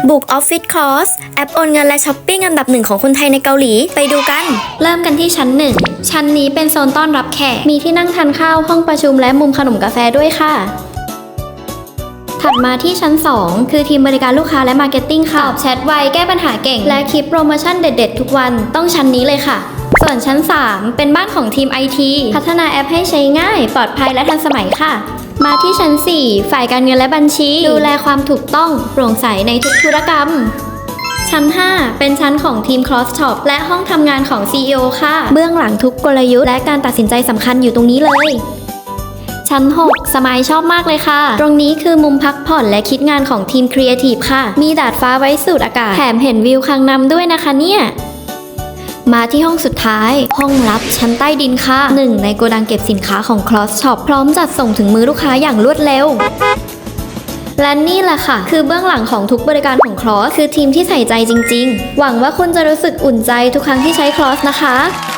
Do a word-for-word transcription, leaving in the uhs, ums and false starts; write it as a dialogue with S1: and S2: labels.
S1: บุกออฟฟิศคอร์สแอปโอนเงินและช้อปปิ้งอันดับหนึ่งของคนไทยในเกาหลีไปดูกันเริ่มกันที่ชั้นหนึ่งชั้นนี้เป็นโซนต้อนรับแขกมีที่นั่งทานข้าวห้องประชุมและมุมขนมกาแฟด้วยค่ะถัดมาที่ชั้นสองคือทีมบริการลูกค้าและมาร์เก็ตติ้งค่ะตอบแชทไวแก้ปัญหาเก่งและคลิปโปรโมชั่นเด็ดๆทุกวันต้องชั้นนี้เลยค่ะส่วนชั้นสามเป็นบ้านของทีม ไอ ที พัฒนาแอปให้ใช้ง่ายปลอดภัยและทันสมัยค่ะมาที่ชั้นสี่ฝ่ายการเงินและบัญชีดูแลความถูกต้องโปร่งใสในทุกธุรกรรมชั้นห้าเป็นชั้นของทีม Cross Shop และห้องทำงานของ ซี อี โอ ค่ะเบื้องหลังทุกกลยุทธ์และการตัดสินใจสำคัญอยู่ตรงนี้เลยชั้นหกสมัยชอบมากเลยค่ะตรงนี้คือมุมพักผ่อนและคิดงานของทีมครีเอทีฟค่ะมีดาดฟ้าไว้สูดอากาศแถมเห็นวิวคังนำด้วยนะคะเนี่ยมาที่ห้องสุดท้ายห้องลับชั้นใต้ดินค่ะหนึ่งในโกดังเก็บสินค้าของ Cross Shop พร้อมจัดส่งถึงมือลูกค้าอย่างรวดเร็วและนี่แหละค่ะคือเบื้องหลังของทุกบริการของ Cross คือทีมที่ใส่ใจจริงๆหวังว่าคุณจะรู้สึกอุ่นใจทุกครั้งที่ใช้ Cross นะคะ